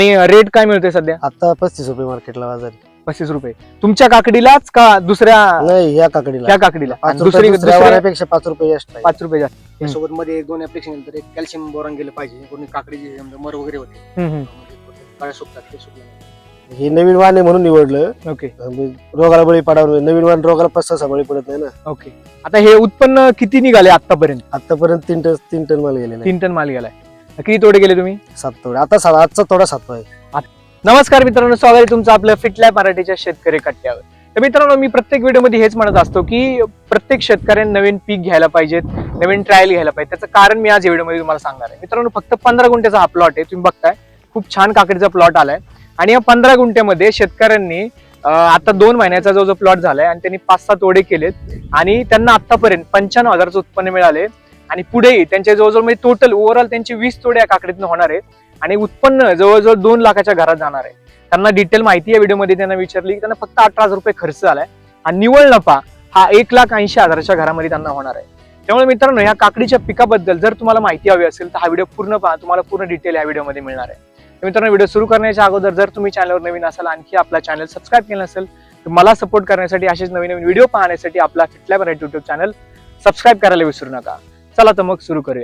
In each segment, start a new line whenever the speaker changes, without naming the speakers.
Rate काय मिळतोय सध्या?
आता 35 रुपये मार्केटला बाजार.
35 रुपये तुमच्या काकडीलाच का दुसऱ्या?
नाही, या काकडीला
त्या काकडीला.
5
दुसरी
दुसऱ्या वाऱ्यापेक्षा 5 रुपये जास्त आहे.
5 रुपये जास्त.
त्यासोबत मध्ये एक दोन ऍप्लिकेशन नंतर एक कॅल्शियम बोरॉन गेलं पाहिजे. कोणी काकडीचे मर वगैरे होते काळ्या सुकतात ते सुकले.
हे नवीन वाण आहे म्हणून निवडलं.
ओके
रोगाला बळी पडावं. नवीन वाण रोगाला 5-6 बळी पडत नाही ना.
ओके. आता हे उत्पन्न किती निघाले आतापर्यंत?
आतापर्यंत 3 टन माल गेलेला
3 टन माल गेलाय. किती तोडे गेले तुम्ही?
7 तोडे. आता आजचा तोडा 7 आहे.
नमस्कार मित्रांनो, स्वागत आहे तुमचं आपल्या फिटलॅब मराठीच्या शेतकरी कट्ट्यावर. तर मित्रांनो, मी प्रत्येक व्हिडिओमध्ये हेच म्हणत असतो की प्रत्येक शेतकऱ्याने नवीन पीक घ्यायला पाहिजेत, नवीन ट्रायल घ्यायला पाहिजे. त्याचं कारण मी आज व्हिडिओमध्ये तुम्हाला सांगणार आहे. मित्रांनो, फक्त 15 गुंठ्याचा हा प्लॉट आहे. तुम्ही बघताय खूप छान काकडीचा प्लॉट आलाय आणि या 15 गुंठ्यामध्ये शेतकऱ्यांनी आता 2 महिन्याचा जो प्लॉट झालाय आणि त्यांनी 5-6 तोडे केलेत आणि त्यांना आतापर्यंत 95,000चं उत्पन्न मिळाले आणि पुढेही त्यांच्या जवळजवळ म्हणजे टोटल ओव्हरऑल त्यांची 20 तोडे या काकडीतनं होणार आहेत आणि उत्पन्न जवळजवळ 2 लाखाच्या घरात जाणार आहे. त्यांना डिटेल माहिती या व्हिडिओमध्ये त्यांना विचारली की त्यांना फक्त 18,000 रुपये खर्च झालाय आणि निव्वळ नफा हा 1,80,000च्या घरामध्ये त्यांना होणार आहे. त्यामुळे मित्रांनो, या काकडीच्या पिकाबद्दल जर तुम्हाला माहिती हवी असेल तर हा व्हिडिओ पूर्ण पहा. तुम्हाला पूर्ण डिटेल या व्हिडिओमध्ये मिळणार आहे. तर मित्रांनो, व्हिडिओ सुरू करण्याच्या अगोदर जर तुम्ही चॅनलवर नवीन असाल, आणखी आपला चॅनल सबस्क्राईब केलं नसेल तर मला सपोर्ट करण्यासाठी, असेच नवीन नवीन व्हिडिओ पाहण्यासाठी आपला FitLab Marathi YouTube channel subscribe करायला विसरू नका. चला तर मग सुरू करूया.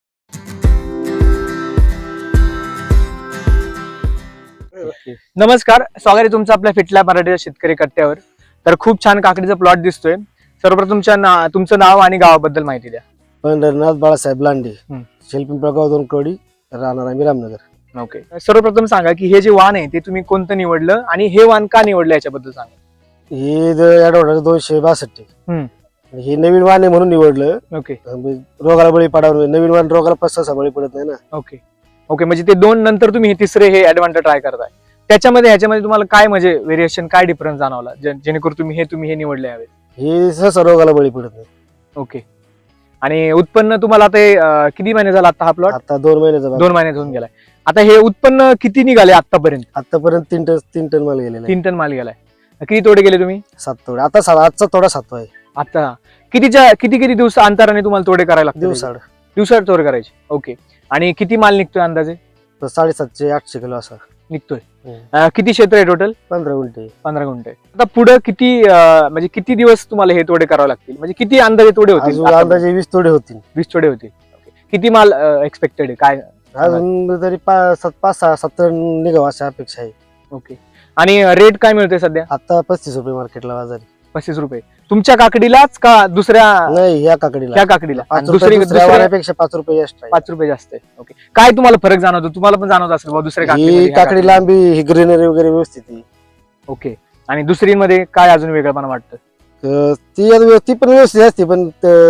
नमस्कार, स्वागत आहे तुमचं आपल्या फिटलॅब मराठीच्या शेतकरी कट्ट्यावर. तर खूप छान काकडीचा प्लॉट दिसतोय. सर्वप्रथम तुमचं नाव आणि गावाबद्दल माहिती द्या.
पंढरनाथ बाळासाहेब लांडे, शेलपिंपळगाव 2 कवडी, राहणार आम्ही रामनगर.
ओके. सर्वप्रथम सांगा की हे जे वाण आहे ते तुम्ही कोणतं निवडलं आणि हे वाण का निवडलं याच्याबद्दल सांगा.
हे ऍडवॉर्ड 262. हे नवीन वाण आहे म्हणून निवडलं.
ओके
रोगाला बळी पडावं. नवीन वाण रोगाला 5-6 बळी पडत नाही ना.
Okay okay. म्हणजे ते 2 नंतर तुम्ही हे तिसरे हे ऍडव्हान्टेज ट्राय करताय. ह्याच्यामध्ये तुम्हाला काय म्हणजे व्हेरिएशन, काय डिफरन्स जाणवला जेणेकरून तुम्ही हे निवडले यावे?
हे सहसा रोगाला बळी पडत नाही.
ओके. आणि उत्पन्न तुम्हाला आता किती महिने झाला आता हा प्लॉट?
आता 2 महिन्याचा
2 महिन्यात होऊन गेलाय. आता हे उत्पन्न किती निघाले आतापर्यंत?
आतापर्यंत 3 टन माल गेलेला.
3 टन माल गेलाय. किती तोडे गेले तुम्ही?
7 तोडे. आता आजचा तोडा 7 आहे.
आता किती दिवस अंतराने तुम्हाला तोडे करायला लागतात? दिवसाड तोडे करायचे. ओके. आणि किती माल निघतोय अंदाजे?
750-800 किलो असा
निघतोय. किती क्षेत्र आहे टोटल?
15 गुंठे.
15 गुंठे. आता पुढे म्हणजे किती दिवस तुम्हाला हे तोडे करावे लागतील? म्हणजे किती अंदाजे तोडे होतील?
अंदाजे 20 तोडे होतील.
20 तोडे होतील. किती माल एक्सपेक्टेड आहे? काय
अजून तरी 5-6-7 निघावं अशी अपेक्षा आहे.
ओके. आणि रेट काय मिळतोय सध्या?
आता 35 रुपये मार्केटला बाजार.
35 रुपये तुमच्या काकडीलाच का दुसऱ्या?
नाही, या काकडीला.
त्या काकडीला.
दुसऱ्या वाऱ्यापेक्षा 5 रुपये जास्त आहे.
5 रुपये जास्त आहे. ओके. काय तुम्हाला फरक जाणवतो? तुम्हाला पण जाणवत असेल दुसऱ्या
ही काकडी लांबी, ही ग्रीनरी वगैरे व्यवस्थित आहे.
ओके. आणि दुसरीमध्ये काय अजून वेगळंपणा वाटतं?
ती पण व्यवस्थित असते, पण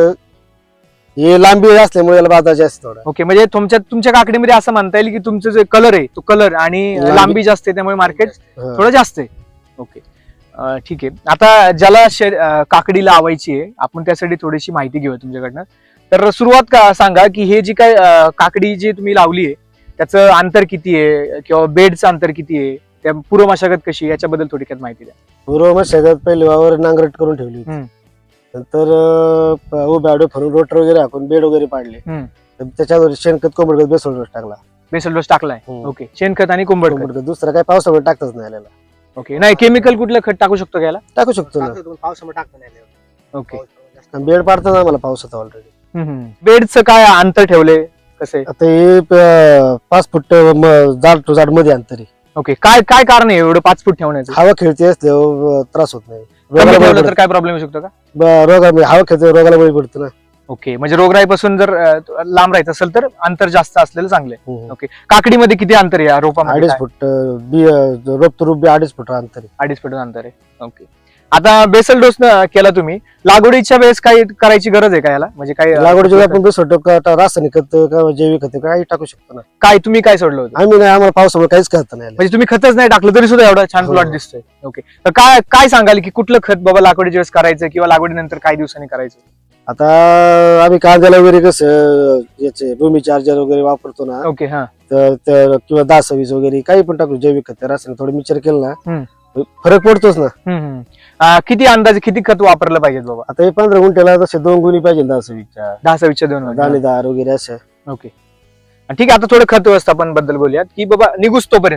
हे लांबी असल्यामुळे याला बाजार जास्त थोडा.
ओके. म्हणजे तुमच्या काकडीमध्ये असं म्हणता येईल की तुमचं जे कलर आहे तो कलर आणि लांबी जास्त आहे, त्यामुळे मार्केट थोडं जास्त आहे. ओके, ठीक आहे. आता ज्याला काकडी लावायची आहे, आपण त्यासाठी थोडीशी माहिती घेऊया तुमच्याकडनं. तर सुरुवात सांगा की हे जी काय काकडी जी तुम्ही लावली आहे त्याचं अंतर किती आहे किंवा बेडचं अंतर किती आहे, त्या पूर्व मशागत कशी, याच्याबद्दल थोडक्यात माहिती द्या.
पूर्व मशागत पहिले वावर नांगरट करून ठेवली होती. नंतर उभ्या आडवे फरून रोटर वगैरे हाकून बेड वगैरे पाडले. त्याच्यावर शेणखत, कोंबडखत, बेसल डोस टाकला.
बेसल डोस टाकलाय. ओके. शेणखत आणि कोंबडखत.
दुसरा काय पावसामुळे टाकताच नाही आलेला.
ओके. नाही, केमिकल कुठलं खत टाकू शकतो घ्यायला?
टाकू शकतो ना.
पावसामुळे टाकता नाही.
ओके.
बेड पाडतात आम्हाला पावसाचा ऑलरेडी.
बेडचं काय अंतर ठेवले कसे?
आता हे 5 फूट जाड टू जाड मध्ये अंतर आहे.
ओके. काय कारण आहे एवढं 5 फूट ठेवण्याचं?
हवा खेळते असते, त्रास होत नाही.
तर काय प्रॉब्लेम येऊ शकतो का?
हवा खेळते, रोगाला बळी पडतो ना.
ओके. म्हणजे रोगराईपासून जर लांब राहायचं असेल तर अंतर जास्त असलेलं चांगलं आहे. ओके. काकडीमध्ये किती अंतर आहे रोपामध्ये?
2.5 फूट. रोप तो रोप 2.5 फूट अंतर आहे.
2.5 फूट अंतर आहे. ओके. आता बेसल डोस केला तुम्ही, लागवडीच्या वेळेस काही करायची गरज आहे का याला? म्हणजे काही
लागवडीच्या वेळी आपण बेसोटो रासायनिक खत किंवा जैविक खत काही टाकू शकतो ना.
तुम्ही काय सोडलं होतं?
आम्ही नाही, आम्हाला पावसामुळे काहीच करता नाही.
म्हणजे तुम्ही खतच नाही टाकलं तरी सुद्धा एवढा छान प्लॉट दिसतोय. ओके. तर काय सांगाल की कुठलं खत बाबा लागवडीच्या वेळेस करायचं किंवा लागवडीनंतर काही दिवसांनी करायचं?
आता आम्ही कांद्याला वगैरे कसं याचे भूमी चार्जर वगैरे वापरतो ना.
ओके. हा.
तर किंवा 10-26 वगैरे काही पण टाकू, जैविक खत रासायनिक थोडं मिक्सर केलं ना, फरक पडतोच ना.
किती अंदाजे किती खत वापरलं पाहिजे बाबा?
आता हे 15 गुंठ्याला तसे 2 गुणी पाहिजे. 10-26च्या
2
दाणेदार वगैरे असं.
ओके. ठीक आहे. आता थोडं खत व्यवस्थापन बद्दल बोलूयात की बाबा निघूस तोपर्यंत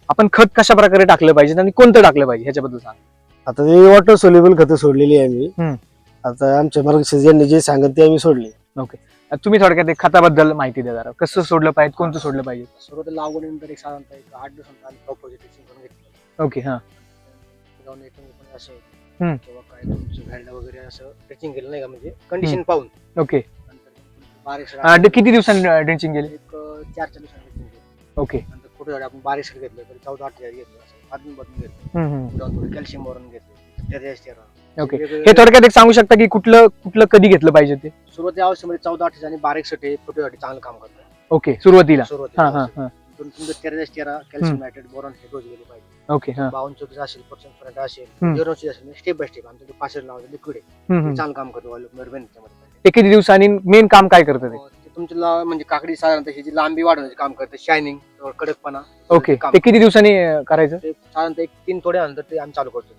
आपण खत कशा प्रकारे टाकलं पाहिजे आणि कोणतं टाकलं पाहिजे ह्याच्याबद्दल सांग.
आता ते वॉटर सोल्युबल खतं सोडलेली आहे आम्ही.
हम्म.
आता आमच्या मार्गदर्शक यांनी जे सांगत ते आम्ही सोडले.
तुम्ही थोडक्यात एक खताबद्दल माहिती द्या जरा. कसं सोडलं पाहिजे, कोणतं सोडलं पाहिजे?
सुरुवातीला लागवडीनंतर एक साधारणतः 8 दिवसांत आम्ही क्रॉप प्रोजेक्टिंग करून घेतलं.
ओके. हा.
जाऊन पण असं
हम्म.
किंवा काय तुमचं व्हॅल्डा वगैरे असं ड्रेचिंग केलं नाही का, म्हणजे कंडिशन पाहून.
ओके.
नंतर बारीक
किती दिवसांनी ड्रेंचिंग केले?
एक 4-4 दिवसांनी ड्रेचिंग केलं.
ओके.
नंतर कुठे झाडे आपण बारीक घेतलं तर 14-8 घेतलं, असं अदून बदलून घेतलं. जाऊन थोडं कॅल्शियम बोरॉन घेतलं, टेरेस्टेरा.
ओके. हे थोडक्यात एक सांगू शकता की कुठलं कधी घेतलं पाहिजे ते?
सुरुवातीच्या अवस्थेमध्ये 14-8 आणि बारीक सटे फुटेसाठी चांगलं काम करतात.
ओके. सुरुवातीला.
सुरुवातीला
हा.
तुमचं टेरेस्टेरा, कॅल्शियम नायट्रेट, बोरॉन हे डोस गेले पाहिजे.
ओके. हा.
52-34 असेल, पर्सेंट असेल,
हम्म.
0 असेल, स्टेप बाय स्टेप आमचं पाचशे लावायचं लिक्विड आहे,
हम्म.
चांगलं काम करतो त्याच्यामध्ये.
ते किती दिवसांनी मेन काम काय करतं ते?
ते तुमचं म्हणजे काकडी साधारणतः ह्याची लांबी वाढवण्याचे काम करते, शायनिंग, कडकपणा.
ओके.
काम
ते किती दिवसांनी करायचं?
ते साधारणतः 1-3 थोडे नंतर ते आम्ही चालू करतो.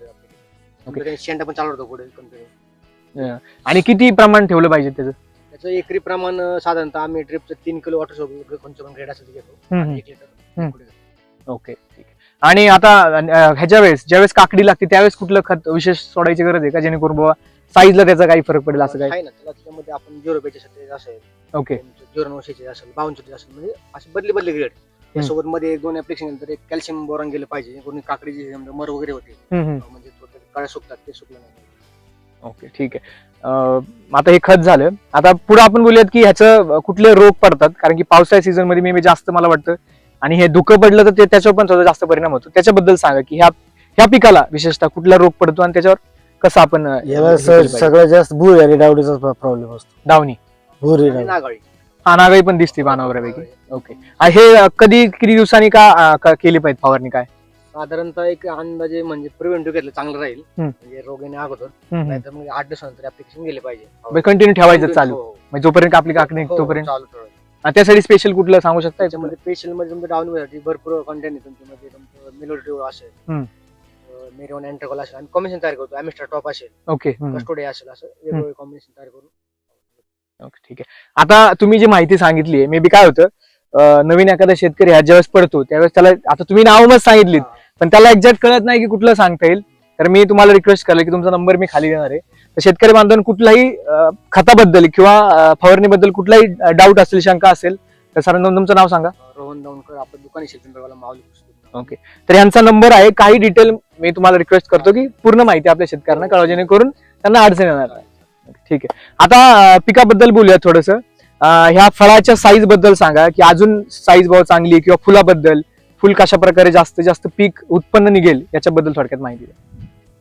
शेंडा पण चालू होतो पुढे कंटिन्यू.
आणि किती प्रमाण ठेवलं पाहिजे त्याचं?
त्याचं एकरी प्रमाण साधारणतः आम्ही ड्रिपचं 3 किलो वॉटर सोबत कोणतं पण ग्रेड असेल ते घेतो.
हम्म.
1 लिटर liquid घेतो.
ओके. ठीक आहे. आणि आता ह्याच्या वेळेस ज्यावेळेस काकडी लागते त्यावेळेस कुठलं खत विशेष सोडायची गरज आहे का, जेणेकरून बाबा साईजला त्याचा काही फरक पडेल असं काय?
आहे ना, त्याच्यामध्ये आपण 0 बेचासाठी असेल,
ओके.
0-9 असेल, 52 असेल, म्हणजे असे बदली ग्रेड. त्यासोबत मध्ये 1-2 ऍप्लिकेशन नंतर एक कॅल्शियम बोरॉन गेलं पाहिजे, कोणी काकडीची मर वगैरे होते, म्हणजे थोडं काळ्या सुकतात, ते सुकलं नाही.
ओके. ठीक आहे. आता हे खत झालं. आता पुढे आपण बोलूयात की ह्याचं कुठले रोग पडतात, कारण की पावसाळ्या सीझन मध्ये मी जास्त मला वाटतं आणि हे धुकं पडलं तर त्याच्यावर पण थोडा जास्त परिणाम होतो. त्याच्याबद्दल सांगा की ह्या पिकाला विशेषतः कुठला रोग पडतो आणि त्याच्यावर कसं आपण
याला सगळ्यात जास्त भूर आणि डावडीचा प्रॉब्लेम असतो.
दावणी,
भूर
आणि नागाळी.
हा, नागाई पण दिसते पानावरपैकी. ओके. हे किती दिवसांनी का केली पाहिजे फवारणी काय?
साधारणतः एक अंदाजे म्हणजे प्रिव्हेंटिव्ह घेतलं चांगलं राहील, म्हणजे रोग येण्या अगोदर. नाहीतर मग 8 दिवसानंतर ऍप्लिकेशन गेले पाहिजे,
कंटिन्यू ठेवायचं चालू,
हो.
म्हणजे जोपर्यंत आपली काकडी
हो,
तोपर्यंत.
चालू ठेवायचं.
त्यासाठी स्पेशल कुठलं सांगू शकता?
त्याच्यामध्ये स्पेशल मध्ये तुमचं डाऊन भरपूर कंटेंट आहे तुमच्यामध्ये. तुमचं मेलोडिओ असेल, मेरोन अँट्रॉल असेल, आम्ही कॉम्बिनेशन तयार करतो. ॲमिस्टर टॉप असेल,
ओके.
कस्टोडिया असेल, असं वेगवेगळे कॉम्बिनेशन तयार करून.
ओके. ठीक आहे. आता तुम्ही जी माहिती सांगितली मे बी काय होतं, नवीन एखादा शेतकरी ह्या ज्यावेळेस पडतो त्यावेळेस त्याला, आता तुम्ही नाव मग सांगितलीत पण त्याला एक्झॅक्ट कळत नाही की कुठलं सांगता येईल, तर मी तुम्हाला रिक्वेस्ट करेल की तुमचा नंबर मी खाली देणार आहे. तर शेतकरी बांधवांना कुठलाही खताबद्दल किंवा फवारणीबद्दल कुठलाही डाऊट असेल, शंका असेल तर सर तुमचं नाव सांगा.
रोहन दौंडकर, आपलं दुकान शिल्पीवाला माऊली.
ओके. तर यांचा नंबर आहे. काही डिटेल मी तुम्हाला रिक्वेस्ट करतो की पूर्ण माहिती आपल्या शेतकऱ्यांना कळवा, जेणेकरून त्यांना अडचण येणार नाही. ठीक आहे. आता पिकाबद्दल बोलूया थोडस. ह्या फळाच्या साईज बद्दल सांगा की अजून साईज भाव चांगली, किंवा फुलाबद्दल, फुल कशा प्रकारे जास्तीत जास्त पीक उत्पन्न निघेल याच्याबद्दल थोडक्यात माहिती द्या.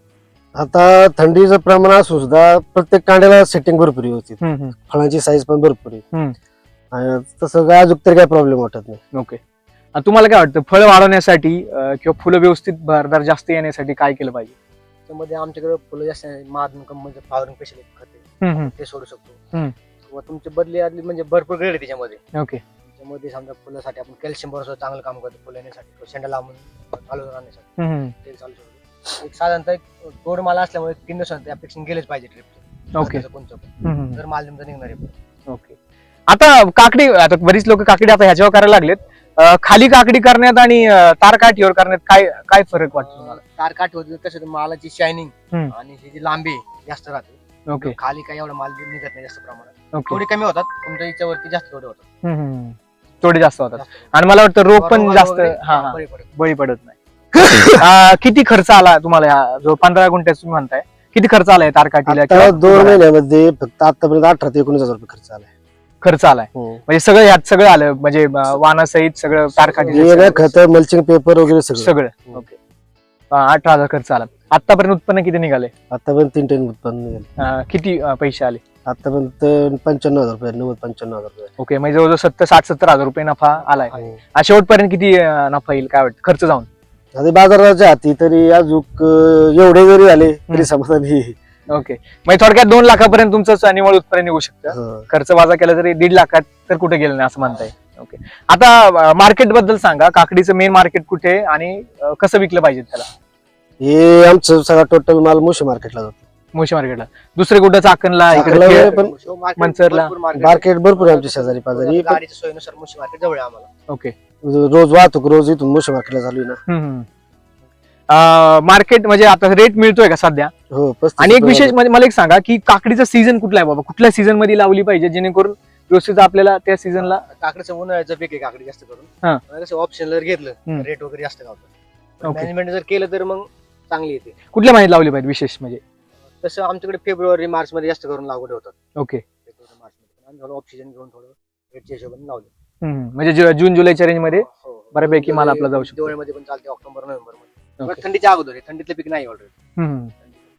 आता थंडीचं प्रमाण असून सुद्धा प्रत्येक कांड्याला सेटिंग भरपूर व्यवस्थित, फळांची साईज पण भरपूर आहे. आणि तसं काय अजून तरी काय प्रॉब्लेम वाटत नाही.
ओके. तुम्हाला काय वाटतं फळ वाढवण्यासाठी किंवा फुलं व्यवस्थित भरदार जास्त येण्यासाठी काय केलं पाहिजे?
त्यामध्ये आमच्याकडे फुलं जास्त महात्मा कंपनीचं फ्लॉवरिंग स्पेशल खत ते सोडू शकतो. किंवा तुमची बदली आदली म्हणजे भरपूर ग्रेड आहे त्याच्यामध्ये.
ओके.
त्याच्यामध्ये समजा फुलासाठी आपण कॅल्शियम बरोबर चांगलं काम करतो, फुलं येण्यासाठी, शेंडा लांबून चालू राहण्यासाठी ते चालू शकतो. एक साधारणतः गोड माल असल्यामुळे 3 दिवसांत ऍप्लिकेशन गेलेच पाहिजे ट्रिपचं.
ओके.
कोणतं पण जर माल तुमचा निघणार आहे.
ओके. आता काकडी, आता बरीच लोक काकडी आता ह्याच्यावर करायला लागलेत. खाली काकडी करण्यात आणि तार काठीवर करण्यात काय फरक वाटतो तुम्हाला?
तार काठीवर कसं मालाची शायनिंग आणि ही जी लांबी जास्त राहते.
ओके.
खाली काही एवढा माल निघत नाही जास्त प्रमाणात.
ओके.
थोडी कमी होतात, तुमच्या याच्यावरती जास्त थोडे होतात.
थोडे जास्त होतात आणि मला वाटतं रोग पण जास्त बळी पडत नाही. किती खर्च आला तुम्हाला ह्या जो 15 गुंठ्यात तुम्ही म्हणताय, किती खर्च आलाय तार काठीला?
2 महिन्यामध्ये फक्त आतापर्यंत 18 ते 19 हजार रुपये खर्च आलाय.
खर्च आलाय म्हणजे सगळं ह्यात सगळं आलं, म्हणजे वाणासहित सगळं तार काठी,
खत, मल्चिंग पेपर वगैरे सगळं.
ओके. 18,000 खर्च आला. आतापर्यंत उत्पन्न किती निघाले?
आतापर्यंत 3 टन उत्पन्न निघाले.
किती पैसे आले?
आतापर्यंत 95,000 रुपये, 90-95,000 रुपये.
ओके. म्हणजे जवळजवळ 60-70 हजार रुपये नफा आलाय. शेवटपर्यंत किती नफा येईल काय वाटतं खर्च जाऊन?
आता बाजाराच्या हाती तरी अजून एवढे जरी आले तरी समाधानी.
ओके. म्हणजे थोडक्यात 2 लाखापर्यंत तुमचं निव्वळ उत्पन्न निघू शकतं. खर्च वाजा केला तरी 1.5 लाखात तर कुठे गेलं नाही असं म्हणताय. ओके. आता मार्केट बद्दल सांगा. काकडीचं मेन मार्केट कुठे आणि कसं विकलं पाहिजे त्याला?
हे आमचं सगळा टोटल माल मोशी मार्केटला जातो.
मोशी मार्केटला, दुसरे कुठं चाकणला, मंचरला
मार्केट भरपूर आहे आमच्या शेजारी पाजारी.
गाडीच्या सोयीनुसार मुशी मार्केट जवळ आहे आम्हाला.
ओके.
रोज वाहतूक रोज इथून मोशी मार्केटला चालू आहे ना.
मार्केट म्हणजे आता रेट मिळतोय का सध्या?
हो 35
आणि एक
रुपये
विशेष म्हणजे मला एक सांगा की काकडीचा सीझन कुठला आहे बाबा, कुठल्या सीझन मध्ये लावली पाहिजे जेणेकरून व्यवस्थित आपल्याला त्या सीझनला?
काकडीचं उन्हाळ्याचं पीक आहे काकडी जास्त
हा.
करून. कसं ऑप्शन जर घेतलं
हम्म.
रेट वगैरे जास्त गावतो.
Okay.
मॅनेजमेंट जर केलं तर मग चांगली येते.
कुठल्या महिन्यात लावली पाहिजे विशेष म्हणजे?
तसं आमच्याकडे फेब्रुवारी मार्च मध्ये जास्त करून लागवड होतात.
ओके.
फेब्रुवारी मार्च मध्ये आम्ही थोडं ऑक्सिजन घेऊन थोडं रेटच्या हिशोबाने लावले.
म्हणजे जून जुलैच्या रेंज मध्ये
हो, हो.
बऱ्यापैकी माल आपला जाऊ शकतो.
दिवाळीमध्ये पण चालते, ऑक्टोबर नोव्हेंबर मध्ये.
Okay.
पण थंडीच्या अगोदर आहे, थंडीतलं पीक नाही ऑलरेडी.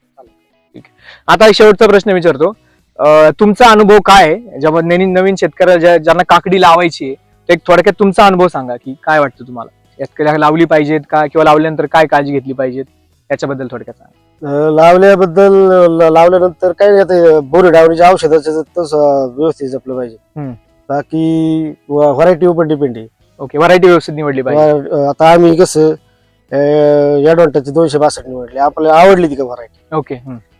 आता एक शेवटचा प्रश्न विचारतो. तुमचा अनुभव काय आहे जेव्हा नवीन शेतकऱ्याला ज्यांना काकडी लावायची आहे, तर एक थोडक्यात तुमचा अनुभव सांगा की काय वाटतं तुम्हाला, शेतकऱ्याला लावली पाहिजेत का, किंवा लावल्यानंतर काय काळजी घेतली पाहिजेत याच्याबद्दल थोडक्यात सांगा.
लावल्यानंतर काय नाही, आता बोरी डावणीच्या औषधाचं तसं व्यवस्थित जपलं पाहिजे. बाकी व्हरायटी पण डिपेंड आहे.
ओके, व्हरायटी व्यवस्थित निवडली पाहिजे.
आता आम्ही कसं ॲडव्हान्टेजची 262 निवडली, आपल्याला आवडली ती का व्हरायटी.
ओके.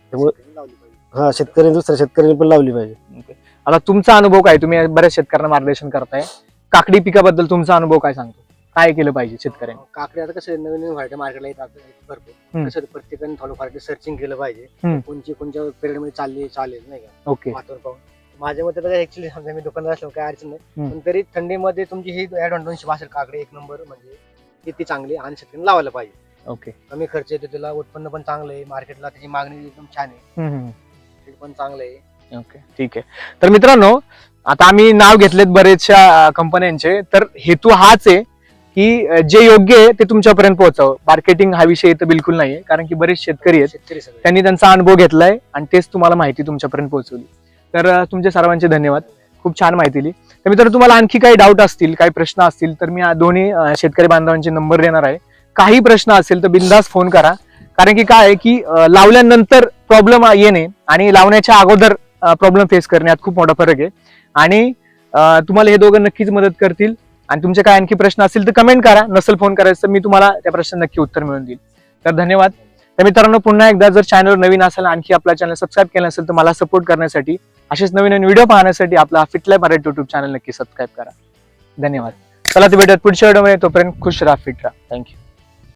हा, शेतकरी दुसऱ्या शेतकऱ्यांनी पण लावली पाहिजे.
आता तुमचा अनुभव काय, तुम्ही बऱ्याच शेतकऱ्यांना मार्गदर्शन करताय, काकडी पिकाबद्दल तुमचा अनुभव काय सांगतो, काय केलं पाहिजे शेतकऱ्यांनी?
काकडी आता कसं नवीन व्हरायटी मार्केटला येतात भरपूर. कसं प्रत्येकाने थोडं व्हरायटी सर्चिंग केलं पाहिजे, कोणत्या पिरियड मध्ये चालेल नाही का.
ओके.
वातावरण पाहून माझ्या मते तर ऍक्च्युली समजा मी दुकानदार असलो काय अडचण नाही, पण तरी थंडीमध्ये तुमची ही ॲडव्हान्टेज असेल काकडी एक नंबर, म्हणजे ती चांगली आणि शेतकऱ्यांनी लावायला पाहिजे.
ओके.
कमी खर्च येतो, त्याला उत्पन्न पण चांगलं आहे, मार्केटला त्याची मागणी एकदम छान आहे, रेट पण चांगलं आहे.
ओके, ठीक आहे. तर मित्रांनो, आता आम्ही नाव घेतलेत बरेचशा कंपन्यांचे, तर हेतू हाच आहे की जे योग्य आहे ते तुमच्यापर्यंत पोहोचावं. मार्केटिंग हा विषय इथं बिलकुल नाहीये, कारण की बरेच शेतकरी आहेत,
शेतकरी सगळे
त्यांनी त्यांचा अनुभव घेतलाय आणि तेच तुम्हाला माहिती तुमच्यापर्यंत पोहोचवली. तर तुमचे सर्वांचे धन्यवाद, खूप छान माहिती दिली. तर मित्रांनो, तुम्हाला आणखी काही डाऊट असतील, काही प्रश्न असतील, तर मी दोन्ही शेतकरी बांधवांचे नंबर देणार आहे. काही प्रश्न असेल तर बिंदास फोन करा, कारण की काय आहे की लावल्यानंतर प्रॉब्लेम येणे आणि लावण्याच्या अगोदर प्रॉब्लेम फेस करणे यात खूप मोठा फरक आहे. आणि तुम्हाला हे दोघं नक्कीच मदत करतील. आणि तुमचे काय आणखी प्रश्न असतील तर कमेंट करा, नसेल फोन करायचं तर मी तुम्हाला त्या प्रश्न नक्की उत्तर मिळून देईल. तर धन्यवाद. तर मित्रांनो, पुन्हा एकदा जर चॅनल नवीन असेल, आणखी आपला चॅनल सबस्क्राईब केला असेल तर मला सपोर्ट करण्यासाठी, असेच नवीन व्हिडिओ पाहण्यासाठी आपला फिटलाईफ मराठी युट्यूब चॅनल नक्की सबस्क्राईब करा. धन्यवाद. चला तर भेटूयात पुढच्या व्हिडिओमध्ये, तोपर्यंत खुश राहा, फिट राहा. थँक्यू.